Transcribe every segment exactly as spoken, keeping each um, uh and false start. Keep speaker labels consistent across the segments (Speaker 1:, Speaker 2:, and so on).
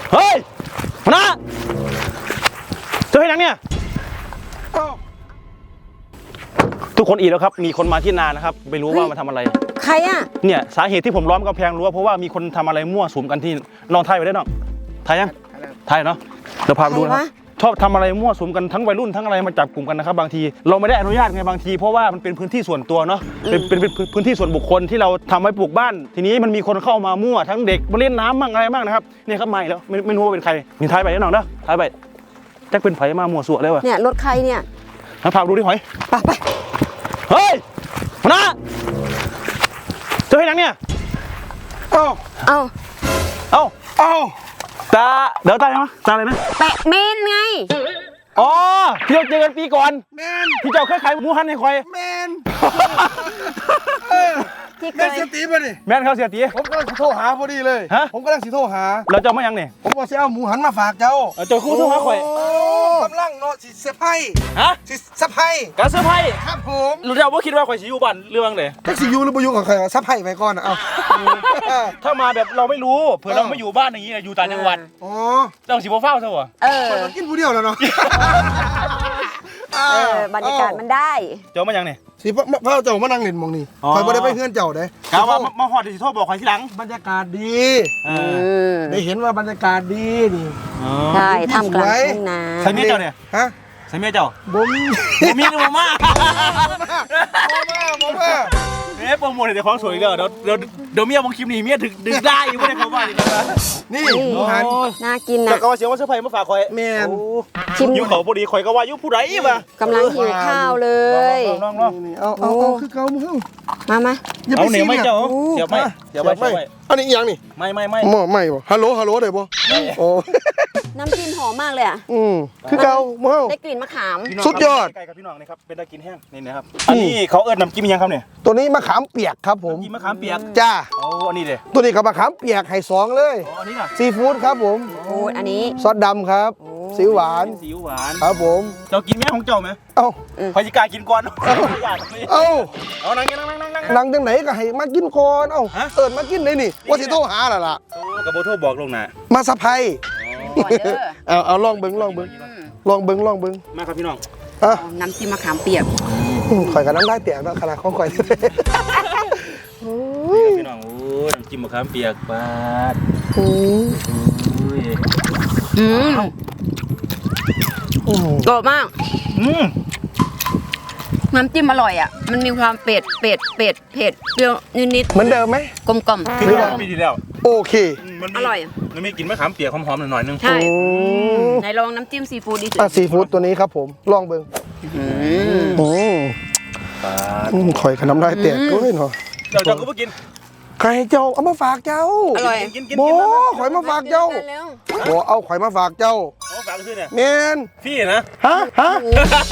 Speaker 1: เฮ้ยมานะเจอให้นังเนี่ยทุกคนอีกแล้วครับมีคนมาที่นานะครับไม่รู้ว่ามาทำอะไร
Speaker 2: ใครอ่ะ
Speaker 1: เนี่ยสาเหตุที่ผมล้อมกำแพงรั้วเพราะว่ามีคนทำอะไรมั่วสุมกันที่น้องไทยไปได้น้องไทยยังไทยเนาะเดี๋ยวพาไปดูนะครับชอบทำอะไรมั่วสุมกันทั้งวัยรุ่นทั้งอะไรมาจับกลุ่มกันนะครับบางทีเราไม่ได้อนุญาตไงบางทีเพราะว่ามันเป็นพื้นที่ส่วนตัวเนาะเป็นเป็นเป็นพื้นที่ส่วนบุคคลที่เราทำไว้ปลูกบ้านทีนี้มันมีคนเข้ามามั่วทั้งเด็กมาเล่นน้ำมั่งอะไรมั่งนะครับเนี่ยครับมาแล้วไม่ไม่รู้ว่าเป็นใครมีไทยไปแน่นอนเนาะไทยไปแจ็คเป็นไผ่มามั่วสั่วเลยวะ
Speaker 2: เนี่ยรถใครเนี่ย
Speaker 1: มาพาดูดิหอย
Speaker 2: ไปไป
Speaker 1: เฮ้ยมานะเจอให้นังเนี่ยเอ้า
Speaker 2: เอ้า
Speaker 1: เอ้าเอ้าตาเดี๋ยวตาอะไรนะตาอะไรนะ
Speaker 2: แปะเมนไง
Speaker 1: อ๋อที่เราเจอกันปีก่อนแมนที่เจ้าเคยขายหมูหันให้คอย
Speaker 3: แมน
Speaker 2: ที่เค
Speaker 3: แมน
Speaker 2: ย
Speaker 3: เสียตีป่ะนี่
Speaker 1: แมนเขาเสียตี
Speaker 3: ผมกำลังสิโทรหาพอดีเลยฮะผมกำลังสิโทรหา
Speaker 1: เราจะไม่ยังเนี่ย
Speaker 3: ผมบอกจะเอาหมูหันมาฝากเจ้า
Speaker 1: เจ้าคู่โทรหาคอย
Speaker 3: กำลังเนาะสิเซอร์ไพรส์
Speaker 1: ฮะ
Speaker 3: สิเซอร์ไพรส์
Speaker 1: การเซอร์ไพรส์
Speaker 3: ครับผม
Speaker 1: รู้เจ้าว่าคิดว่าคอยสิอยู่บ้านเรื่องเลย
Speaker 3: แท็กซี่ยูหรือบ่อยู่กับใครเซอร์ไพรส์ไปก่อนนะเอา
Speaker 1: ถ้ามาแบบเราไม่รู้เผื่อเราไม่อยู่บ้านอย่างนี้อยู่ต่างจังหวัด
Speaker 3: อ๋อ
Speaker 1: เจ้าสิบ่เฝ้าซะวะ
Speaker 2: เออ
Speaker 3: มันกินผู้เดียวแล้วเนาะ
Speaker 2: เออบรรยากาศมันได้
Speaker 1: เจ้ามายังเนี่ย
Speaker 3: สิพ่อเจ้ามานั่งเล่นมองนี่คอยบ่ได้ไปเฮือนเจ้าเด้
Speaker 1: กะว่ามาฮอดสิโทรบอกคอยทีหลัง
Speaker 3: บรรยากาศดีได้เห็นว่าบรรยากาศดีนี่
Speaker 2: ใช่ทำกลางทุ่งนา
Speaker 1: ใส่เมียเจ้าเนี่ย
Speaker 3: ฮะ
Speaker 1: ใส่เมียเจ้า
Speaker 3: บ่มี
Speaker 1: บ่มีกับบ่มา
Speaker 3: บ่มา
Speaker 1: เอ๊ะโปรโมทเดี๋ยวของสวยเด้อเดี๋ยวเดี๋ยวเดี๋ยวเมียบางคลิปนี่เมียถึงดึงได้อยู่บ่ได้เข้าบ้านนี่นะ
Speaker 3: นี่หมูหัน
Speaker 2: น่ากินนะ
Speaker 1: แต่ก็ว่าเสียงว่าเซอร์ไพรส์มาฝากคอย
Speaker 3: แม่น
Speaker 2: ชิม
Speaker 1: อยู่เขาพอดีคอยก็ว่าอยู่ผู้ใดมาก
Speaker 2: ำลังหิวข้าวเลย
Speaker 1: ลองๆ
Speaker 3: ๆเอาเอาคือเก่ามึง
Speaker 2: มามา
Speaker 1: เอาเหนียวไม่เจ้าเสียบไม่เสียบไม่
Speaker 3: อันนี้อีหยังนี่
Speaker 1: ไม่ไม่ไม่
Speaker 3: หม้อไม่บ่ฮัลโหลฮัลโหลได้บ่โอ้
Speaker 2: น้ำจิ้มหอมมากเลยอ่ะ
Speaker 3: อืมคือเก่าหม้อ
Speaker 2: ได้กลิ่นมะขาม
Speaker 3: สุดยอด
Speaker 1: ใกล้กับพี่น้องนี่ครับเป็นตะกินแห้งนี่นะครับอันนี้เขาเอิ้นน้ำจิ้มยังครับเนี่ย
Speaker 3: ตัวนี้มะขามเปียกครับผม
Speaker 1: น้ำจิ้มมะขามเปียก
Speaker 3: จ้า
Speaker 1: โอ้อันนี้เลย
Speaker 3: ตัวนี้กับมะขามเปียกไห่สองเลย
Speaker 1: อ๋ออันนี้น่ะ
Speaker 3: ซีฟู้ดครับผม
Speaker 2: โอ้อันนี้
Speaker 3: ซอสดำครับซีอิ๊วหวาน
Speaker 1: ซีอิ๊วหวาน
Speaker 3: ครับผม
Speaker 1: เจ้ากินแม่ของเจ้าไหม
Speaker 3: เอ้า
Speaker 1: พอจิกากินก่อนเอ้า
Speaker 3: เอ้า
Speaker 1: เอานั่งนั่งนั่งนั่งนั่ง
Speaker 3: นั่งจังไหนก็ให้มากินก่อนเอ้าเอิญมากินได้นี่ว่าสิโทรหาล่ะล่ะ
Speaker 1: กับโบโทรบอกลงนะ
Speaker 3: มาสะพายเอาเอาลองเบิ้งลองเบิ้งลองเบิ้งลองเบิ้ง
Speaker 1: มาครับพี่น้อง
Speaker 2: น้ำจิ้มมะขามเปียก
Speaker 3: ข่อยกับน้ำได้เปียกแล้วขนาดของข่อย
Speaker 1: พี่น้องโอ้น้ำจิ้มมะขามเปียกปาด
Speaker 2: อืมกรอบมาก
Speaker 1: อืม
Speaker 2: น้ำจิ้มอร่อยอ่ะมันมีความเป็ดเป็ดเป็ดเผ็ดเปรี้ยวนิด
Speaker 3: ๆเหมือนเดิมไหม
Speaker 2: กลมกล่อม
Speaker 1: คือปีที่แล้ว
Speaker 3: โอเค
Speaker 2: อร่อย
Speaker 1: มันมีกลิ่นมะขามเปียกหอมๆหน่อยนึง
Speaker 2: ใช่ไหนลองน้ำจิ้มซีฟู้ดดิ
Speaker 3: อ่ะซีฟู้ดตัวนี้ครับผมลองเบิ้งอืมข่อยกับน้ำได้เปียกด้วยเนาะ
Speaker 1: เจ้าเจ้าก็ไปกิน
Speaker 3: ใครเจ้าเอามาฝากเจ้า
Speaker 2: อร่อย
Speaker 1: กินกิน
Speaker 3: โบข่อยมาฝากเจ้าโบเอาข่อยมาฝากเจ้า
Speaker 1: ฝากซื้อเนี่ย
Speaker 3: เมน
Speaker 1: พี่นะ
Speaker 3: ฮะฮะ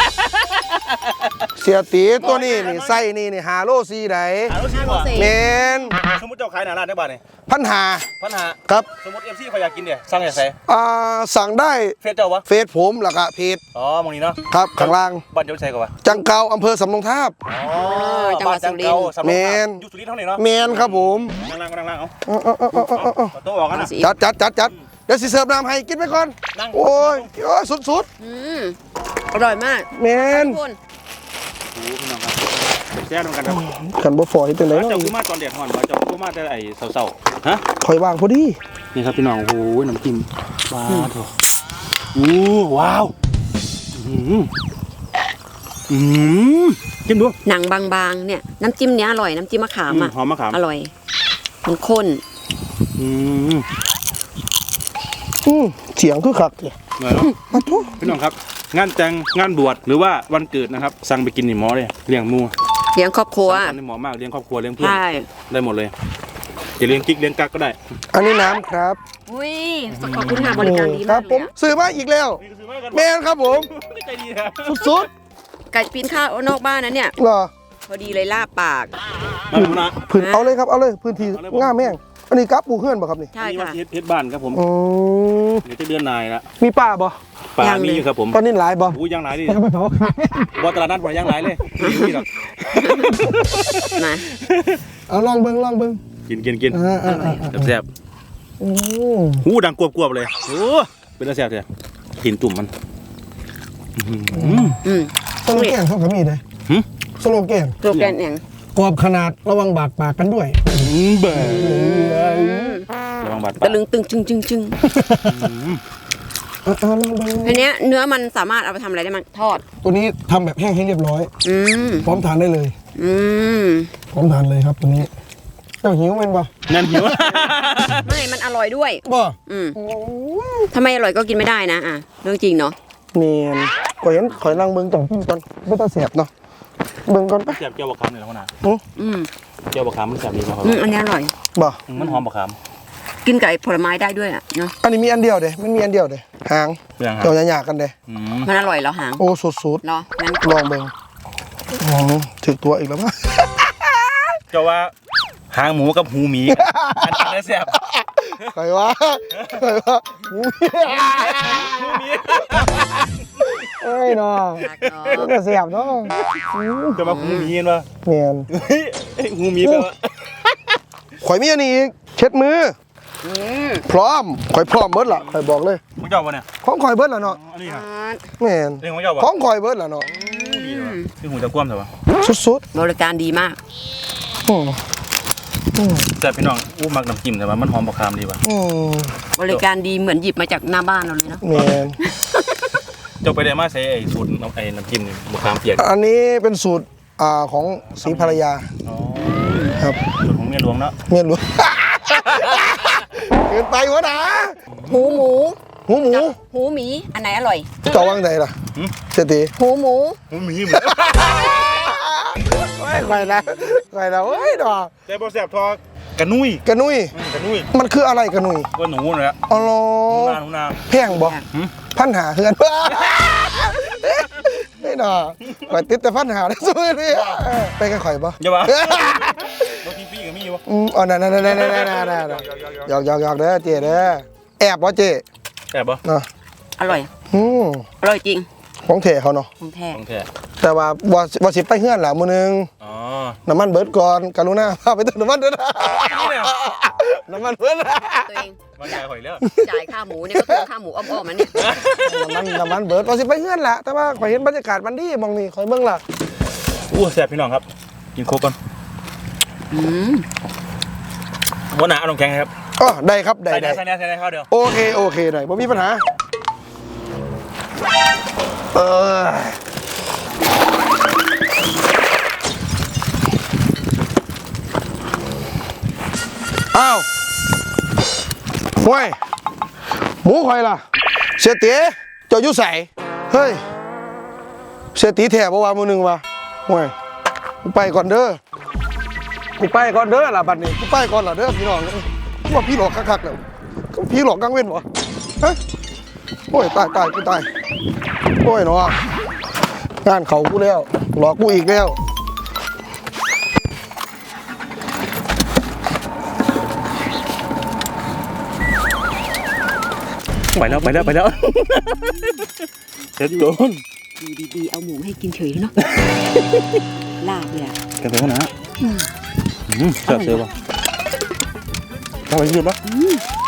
Speaker 3: เสียตีตัวนี้นี่ไส้นี่นี่หาโลซีไหนเมน
Speaker 1: สมมติเจ้าขายหนาร้านได้บ้านเนี่ย
Speaker 3: พันหา
Speaker 1: พันหา
Speaker 3: ครับ
Speaker 1: สมมติเอฟซีเขาอยากกินเนี่ยสั่งอย่างไร
Speaker 3: อ่าสั่งได้
Speaker 1: เฟซเจ้าวะ
Speaker 3: เฟซผมหลักอะเพจ
Speaker 1: อ๋อมองนี้เนาะ
Speaker 3: ครับข้างล่าง
Speaker 1: บ้านเจ้าใช่กว่า
Speaker 3: จังเกาอำเภอสำโรงทาบ
Speaker 1: อ๋อจังหวัดสุรินทร์
Speaker 3: เมน
Speaker 1: อยู่สุรินทร์เท่าไหร่เนาะ
Speaker 3: เมนครับผม
Speaker 1: นั่งนั่งนั่งนั่งเอา
Speaker 3: เอาเอาเอาเอาเอา
Speaker 1: ต้องออกกันนะ
Speaker 3: จัดจัดจัดจัดเดี๋ยวสิเสิร์ฟน้ำให้กินไปก่อนโอ้ยโอ้ยสุดสุด
Speaker 2: อร่อยมาก
Speaker 3: เมน
Speaker 1: แซ่บเหมือนกันครับ
Speaker 3: ขันบ่ฝอยเป็นไร
Speaker 1: เจ้าคือมาตอนเด็ดห่อนเจ้าคือมาแต่ไอ้เสาๆฮะ
Speaker 3: คอยวางพอดี
Speaker 1: นี่ครับพี่น้องโอ้โหน้ำจิ้มว้าวเถอะอู้ว้าวอืมอืมจิ้มดู
Speaker 2: หนังบางๆเนี่ยน้ำจิ้มเนี้ยอร่อยน้ำจิ้มมะขามอ่ะ
Speaker 1: หอมมะขาม
Speaker 2: อร่อยมันข้น
Speaker 1: อืม
Speaker 3: อืมเสียงคือคักเลยมาทุก
Speaker 1: พี่น้องครับงานแต่งงานบวชหรือว่าวันเกิดนะครับสั่งไปกินนี่หมอเลยเลี้ยงมู
Speaker 2: เลี้ยงครอบครัว
Speaker 1: นี่หมอมากเลี้ยงครอบครัวเลี้ยงเพื่อนได้หมดเลยจะเลี้ยงกิ๊กเลี้ยงกักก็ได้
Speaker 3: อันนี้น้ำครับ
Speaker 2: อุ้ยขอบคุณค่ะบริการดีมากเลย
Speaker 3: ซื้อมาอีกแล้วแมนครับผม
Speaker 1: ใจดีนะ
Speaker 3: สุด
Speaker 2: ๆไก่ปีนข้าวนอกบ้านนั้นเนี่ย
Speaker 3: เหรอ
Speaker 2: พอดีเลยล่าปาก
Speaker 3: พื้นเอาเลยครับเอาเลยพื้นที่ง่าแม่งอันนี้กับปูเพื่อนป่ะครับนี่
Speaker 2: ใช่ค่ะ
Speaker 1: เพชรบ้านครับผมเดี๋ยวจะเดือนนายละ
Speaker 3: มีป้าบ่
Speaker 1: ป้ามีอยู่ครับผม
Speaker 3: ตอนนี้หลายบ่
Speaker 1: อู้ยังหลายดิบ่ตลาดนัดบ่ยังหลายเลยนี่หรอก
Speaker 2: นะ
Speaker 3: เอาลองเบิ้งลองเบิ้ง
Speaker 1: กินกินกินแซ่บ
Speaker 3: อืม
Speaker 1: หูดังกวบๆเลยโอ้เป็นตาแซ่บแท้หินตุ่มมันอื้อหือ
Speaker 2: อืม
Speaker 3: สโลแกนเขาก็มีเลย
Speaker 1: หึ
Speaker 3: สโลแกน
Speaker 2: ตัวแกนอย่าง
Speaker 3: กรอบขนาดระวังบาดปากกันด้วย
Speaker 1: อืมเบิ่ระวังบาดปา
Speaker 2: ตะ
Speaker 1: ก
Speaker 2: ลึงตึงจึงจึงจึง
Speaker 3: อ่ะอ่ะลองดู
Speaker 2: ทีเนี้ยเนื้อมันสามารถเอาไปทำอะไรได้มั้งทอด
Speaker 3: ตัวนี้ทำแบบแห้งให้เรียบร้อย
Speaker 2: อืม
Speaker 3: พร้อมทานได้เลย
Speaker 2: อืม
Speaker 3: พร้อมทานเลยครับตัวนี้เจ้าหิวเป็นปะ
Speaker 1: งั้นหิว
Speaker 2: ไม่มันอร่อยด้วย
Speaker 3: บ่
Speaker 2: อืมถ้าไม่อร่อยก็กินไม่ได้นะอ่ะเรื่องจริงเนาะ
Speaker 3: เนียนข่อยเห็นข่อยนั่งเบิ่งต่องก่อนไม่ต้องเสียบเนาะเบิ่งก่อนปะ
Speaker 1: แซ่บเจียวบะขามเลยนะพ่อนา
Speaker 2: อืม
Speaker 1: เจียวบะขามมันแซ่บดีมากครับ
Speaker 2: อืมอันนี้อร่อย
Speaker 3: บ่
Speaker 1: มันหอมบะขาม
Speaker 2: กินกับไอ้ผลไม้ได้ด้วยอ่ะเนาะ
Speaker 3: อันนี้มีอันเดียวเด้มันมีอันเดียวเด้หาง
Speaker 1: เรื่องครั
Speaker 3: เจ้า
Speaker 1: บ
Speaker 3: หยาๆกันเด้
Speaker 1: อืม
Speaker 2: มันอร่อยแล้วหาง
Speaker 3: โอ้สุด
Speaker 2: เนาะงั้น
Speaker 3: ๆลองเบิ่งอ๋อถึกตัวอีกแล้วมั้ง
Speaker 1: เจ้าว่าหางหมูกับหูหมีอันอันนี้แซ่บ
Speaker 3: ใครวะใครวะหู
Speaker 1: หูหมี
Speaker 3: เอ้ยเนาะ
Speaker 2: รักเนาะ
Speaker 3: มันก็เสียบเนาะ
Speaker 1: เจ้ามาหูหมีเห็นปะ
Speaker 3: เนียน
Speaker 1: เฮ้ยหูหมีแปลว่า
Speaker 3: ข่อยมีอันนี้อีกเช็ดมือ
Speaker 2: อืม
Speaker 3: พร้อมข่อยพร้อมเบิดล่ะข่อยบอกเลย
Speaker 1: มึงเจ้าปะเนี่ย
Speaker 3: ของข่อยเบิดล่ะเนาะ
Speaker 1: อันนี้ครับ
Speaker 3: แม่น
Speaker 1: เรื่องของเจ้าปะ
Speaker 3: ของข่อยเบิดล่ะเนาะ
Speaker 1: ดีเลยวะที่หูจะกว้ามแต่ว่า
Speaker 3: สุด
Speaker 2: บริการดีมาก
Speaker 3: ๆอืมอืม
Speaker 1: แต่พี่น้องอู้มักน้ำจิ้มแต่ว่ามันหอมบะขามดีว่ะ
Speaker 3: อืม
Speaker 2: บริการดีเหมือนหยิบมาจากหน้าบ้านเราเลยเนาะ
Speaker 3: แม่น
Speaker 1: เจ้าไปได้มาใช้ไอ้สูตรน้ำไอ้น้ำจิ้มนี่บะขามเปียก
Speaker 3: อันนี้เป็นสูตรอ่าของศรีภรรยา
Speaker 1: อ๋อ
Speaker 3: ครับ
Speaker 1: สูตรของเมียหลวงเนาะ
Speaker 3: เมียหลวง เกินไปวะนะ
Speaker 2: หูหมู
Speaker 3: หูหมู
Speaker 2: กับหูหมีอันไหนอร่อย
Speaker 3: เจ้าว่างใจล่ะเศรษฐี
Speaker 2: หูหมู
Speaker 1: หูหมีเหมือน
Speaker 3: ไปแล้วไปแล้วเฮ้ยดอก
Speaker 1: แต่บะแซ่บทอดกระนุ้ย
Speaker 3: กระนุย
Speaker 1: อืมกระนุ้ย
Speaker 3: มันคืออะไรกระนุย
Speaker 1: ก็หนูเลยอะ
Speaker 3: อ๋อเหรอ
Speaker 1: หนูนาหนูนา
Speaker 3: แพงบ่
Speaker 1: หืม
Speaker 3: พันหาเฮือน ไม่ดอกข่อยติดแต่พันหาได้สู้นี่ไปกันข่อยบ่
Speaker 1: อย่าบ้าบางทีพี่กับมี่วะ
Speaker 3: อืมอ๋อนั่นนั่นนั่นนั่นนั่นนั่นหยอกหยอกหยอกเด้อเจ๊เด้อแอบบ่เจ๊
Speaker 1: แอบปะ
Speaker 3: เนาะ
Speaker 2: อร่อย
Speaker 3: อืม
Speaker 2: อร่อยจริง
Speaker 3: ของเทเขาเนาะ
Speaker 2: ของแท้
Speaker 1: ของแท้
Speaker 3: แต่ว่าบ่บ่สิไปเฮือนล่ะมื้อนึง
Speaker 1: อ๋อ
Speaker 3: น้ำมันเบิดก่อนกรุณาพาไปเติมน้ำมันเด้อนะ
Speaker 1: นี่เนี่ย
Speaker 3: น้ำมันเบิด
Speaker 2: ตัวเอง
Speaker 1: มันใหญ่หอยแล้ว
Speaker 2: จ่ายค่าหมูเนี่ยก็ตัวค่าหมูอ้อมๆมันเนี่ย
Speaker 3: น้ำมันน้ำมันเบิดบ่สิไปเฮือนล่ะแต่ว่าข่อยเห็นบรรยากาศมันดีมองนี่ข่อยเบิ่งล่ะ
Speaker 1: อู้แซ่บพี่น้องครับ กินโคกก่อน
Speaker 2: อืม
Speaker 1: วันหนาเอาน้ำแข็งให้ครับ
Speaker 3: อ๋อได้ครับได้
Speaker 1: ใส่
Speaker 3: ได้
Speaker 1: แน่ใส่แน่ใส่แน่ข้าวเดียว
Speaker 3: โอเคโอเคได้บ่มีปัญหาเอออ้าวห่วยหมูข่อยล่ะเสียเตี๋ยเจ้าอยู่ไสเฮ้ยเสียตีแถบว่ามือหนึ่งวะห่วยกูไปก่อนเด้อกูไปก่อนเด้อล่ะบัดนี้กูไปก่อนล่ะเด้อพี่น้องว่าพี่หลอกคักๆแล้วพี่หลอกกังเว้นวะฮะโอ้ยตายตายกูตายโอ้ยเนาะงานเขากูแล้วหลอกกูอีกแล้ว
Speaker 1: ไปแล้วไปแล้วไปแล้วเด็ดโดน
Speaker 2: อยู่ดีๆเอาหมูให้กินเฉยเนาะ ลาบเลยอ่ะ
Speaker 1: กันไปข้างหน้าอืมแซ่บเสือป่ะเอาไปยืดปะ
Speaker 2: อืม